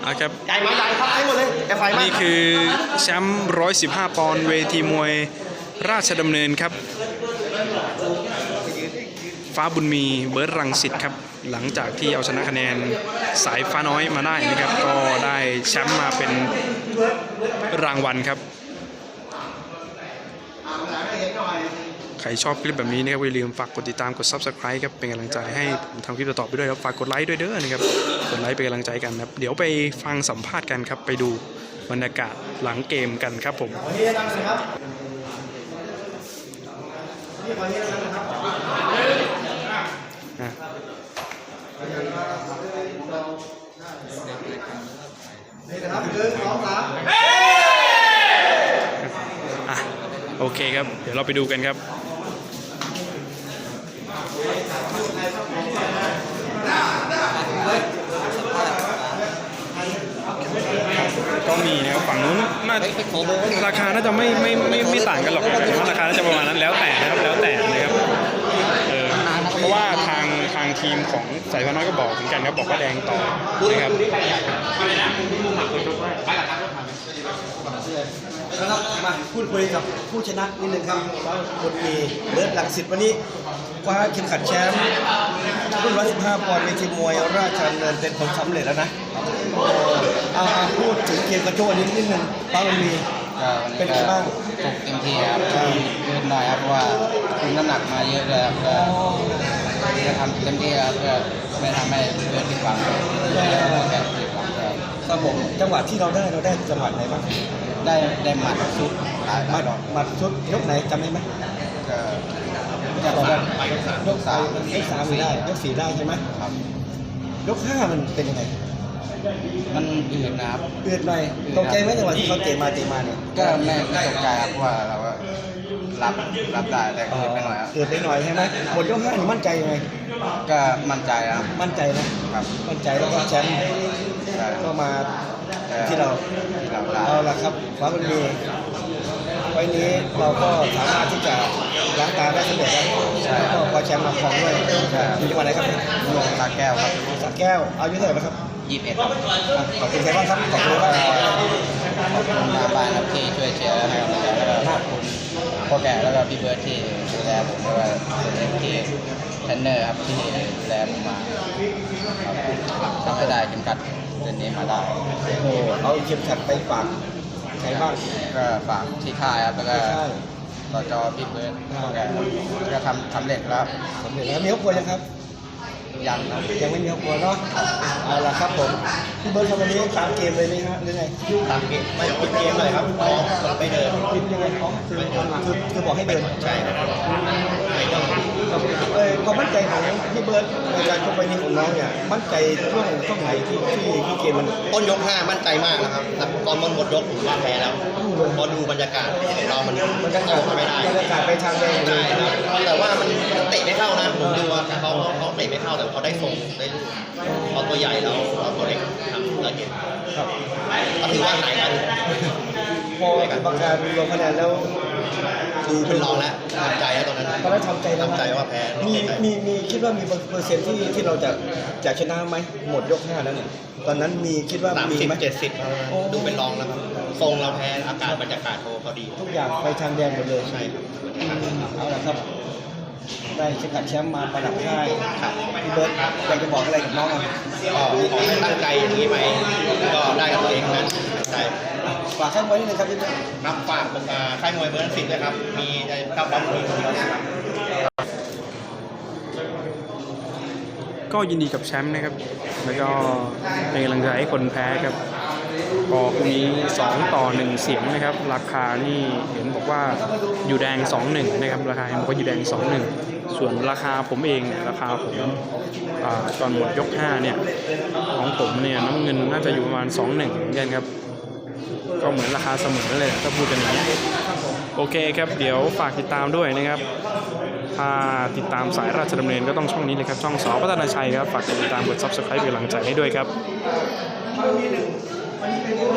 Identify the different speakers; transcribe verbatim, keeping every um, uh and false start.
Speaker 1: อ่ะครับ
Speaker 2: ใหญ่มาใหญ่ครับให้หมดเลยแต่ไฟนี่
Speaker 1: คือแชมป์หนึ่งร้อยสิบห้าปอนด์เวทีมวยราชดำเนินครับฟ้าบุญมีเบิร์ดรังสิตครับหลังจากที่เอาชนะคะแนนสายฟ้าน้อยมาได้นะครับก็ได้แชมป์มาเป็นรางวัลครับใครชอบคลิปแบบนี้นะครับอย่าลืมฝากกดติดตามกด ซับสไครบ์ ครับเป็นกำลังใจให้ผมทำคลิปต่อไปด้วยครับฝากกดไลค์ด้วยเด้อนะครับกดไลค์เป็นกำลังใจกันครับเดี๋ยวไปฟังสัมภาษณ์กันครับไปดูบรรยากาศหลังเกมกันครับผมโอเคครับเดี๋ยวเราไปดูกันครับก็มีนะครับฝั่งนู้นน่าราคาน่าจะไม่ไม่ไม่ไม่ต่างกันหรอกแต่ว่าราคาน่าจะประมาณนั้นแล้วแต่นะครับแล้วแต่นะครับเออเพราะว่าทางทางทีมของสายฟ้าน้อยก็บอกเหมือนกันครับบอกว่าแดงต่อนะครับ
Speaker 2: นะครับมาพูดคุยกับผู้ชนะนิดนึงครับว่าคนมีเบิร์ดรังสิตวันนี้คว้าเข็มขัดแชมป์รุ่นหนึ่งร้อยสิบห้าปอนด์เวทีมวยราชดำเนินเป็นผลสำเร็จแล้วนะเอาพูดถึงเกมกระโจนนิดนิดนึงฟ้าบุญมีเป็นไงบ้าง
Speaker 3: ตกเต็มที่ครับยืดหน่อยครับเพราะว่าคุมน้ำหนักมาเยอะเลยครับจะทำเต็มที่ครับเพื่อไม่ทำให้เพื่อนผิดหวังแบบผิดหวัง
Speaker 2: ครับผมจังหวะที่เราได้เราได้จังหวะไหนบ้าง
Speaker 3: ได้ได้หมัดชุด
Speaker 2: หมัดหมัดชุดยกไหนจำได้ไหม
Speaker 3: ก็
Speaker 2: ยกสามยกสามยกสามได้ยกสี่ได้ใช่ไหม
Speaker 3: ครับ
Speaker 2: ยกห้ามันเป็นยังไง
Speaker 3: มันอืดนะครับ
Speaker 2: อืดหน่อยตกใจไหมจังหวะที่เขาเตะมาเตะมาเนี่ย
Speaker 3: ก็ไม่ไม่ตกใจครับเพราะว่าเราก็รับรับได้แต่อืดไปหน่อยครับ
Speaker 2: อืดไปหน่อยใช่ไหมหมดยกห้านี่มั่นใจยังไง
Speaker 3: ก็มั่นใจครับ
Speaker 2: มั่นใจนะครับมั่นใจแล้วก็แชมป์ก็มาที่เราเอาละครับฟ้าบุญมีไว้นี้เราก็สามารถที่จะล้างตาได้สำเร็จแล้วก็คว้าแชมป์มาครองด้วยอยู่จังหวัดไหนครับ
Speaker 3: หลวงสระแก้วครับ
Speaker 2: สระแก้วอายุเท่าไหร่ครับ
Speaker 3: ยี่สิบเอ็ด
Speaker 2: ขอบคุณใครบ้างครับขอบคุณบ้าง
Speaker 3: ขอบคุณมาบ้านครับที่ช่วยเชียร์ให้กำลังใจแล้วก็ขอบคุณพ่อแก่แล้วก็พี่เบิร์ดที่ดูแลผมแล้วก็ที่เทรนเนอร์ครับที่ดูแลผมมาทำให้ได้เข็มขัดเส้นนี้มาได้
Speaker 2: โอ้เอาเข็มขัดไปฝากใครบ้าง
Speaker 3: ก็ฝากที่ค่ายครับแล้วก็ต่อจอพี่เบิร์ดพ่อแก่ก็ทำทำเร็จแล้ว
Speaker 2: สำเร็จแล้วมีครอบครัวยังครับ
Speaker 3: ยัง
Speaker 2: ยังไม่มีครอบครัวเนาะเอาละครับผมพี่เบิร์ดทำวันนี้ตามเกมเลยไหมฮะหรือไง
Speaker 3: ตามเกมไม่ปิดเกมเลยครับพร้อมไปเดิน
Speaker 2: ปิดยังไงพร้อมคือคือคือบอกให้เดิน
Speaker 3: ใช่ครับ
Speaker 2: เออความมั่นใจของพี่เบิร์ดในการชกไปนี้ของน้องเนี่ยมั่นใจช่วงช่วงไหนที่ที่ที่เกมมัน
Speaker 3: ต้นยกห้ามั่นใจมากนะครับตอนมันหมดยกผมว่าแพ้แล้วพอดูบรรยากาศของเรามัน
Speaker 2: มันก็ออกไม่ได้บรรยากาศไปทางแดง
Speaker 3: ใช่ครับแต่ว่ามันเตะไม่เข้านะผมดูว่าเขาเขาเตะไม่เข้าแต่เขาได้ทรงได้เขาตัวใหญ่แล้วเราตัวเล็กทำละเอียด
Speaker 2: ครับ
Speaker 3: ก็ถือว่าหายกัน
Speaker 2: พอกรรมการลงคะแนนแล้ว
Speaker 3: ดูเป็นรองแล้วทำใจแล้วตอนนั้น
Speaker 2: ตอนนั้นทำใจ
Speaker 3: ทำใจว่าแพ้
Speaker 2: มีมีมีคิดว่ามีเปอร์เซ็นต์ที่ที่เราจะจะชนะไหมหมดยกห้าแล้วเนี่ยตอนนั้นมีคิดว่ามีไหม
Speaker 3: เจ็ดสิบดูเป็นรองแล้วครับทรงเราแพ้อากาศบรรยากาศโเขาดี
Speaker 2: ทุกอย่างไปทางแดงหมดเลย
Speaker 3: ใช่ครับ
Speaker 2: เอาละครับได้เข็มขัดแชมป์มาประดับค่ายพี่เบิร์ดอยากจะบอกอะไรกับน้องอ่ะ
Speaker 3: ก็ขอให้ตั้งใจอย่างนี้ไปก็ได้กับตัวเองนั้นใช่
Speaker 2: ฝากข้างไว้นิดนึงครับพี่เบิร์ด
Speaker 3: รับฝากค่ายมวยเบิร์ดสิทธิ์ด้วยครับมีเก้าบอลมีคนเดียวนะครับ
Speaker 1: ก็ยินดีกับแชมป์นะครับแล้วก็เป็นกำลังใจให้คนแพ้ครับพอพรุ่งนี้สองต่อหนึ่งเสียงนะครับราคานี่เห็นบอกว่าอยู่แดง สองหนึ่ง นะครับราคาเห็นบอกว่าอยู่แดง สองหนึ่ง ส่วนราคาผมเองเนี่ยราคาผมตอนหมดยกห้าเนี่ยของผมเนี่ยน้ำเงินน่าจะอยู่ประมาณ สองหนึ่ง เหมือนกันครับก็เหมือนราคาเสมอเลยถ้าพูดกันอย่างนี้โอเคครับเดี๋ยวฝากติดตามด้วยนะครับถ้าติดตามสายราชดำเนินก็ต้องช่องนี้เลยครับช่องสอพัฒนาชัยครับฝากติดตามกด ซับสไครบ์ เป็นกำลังใจให้ด้วยครับ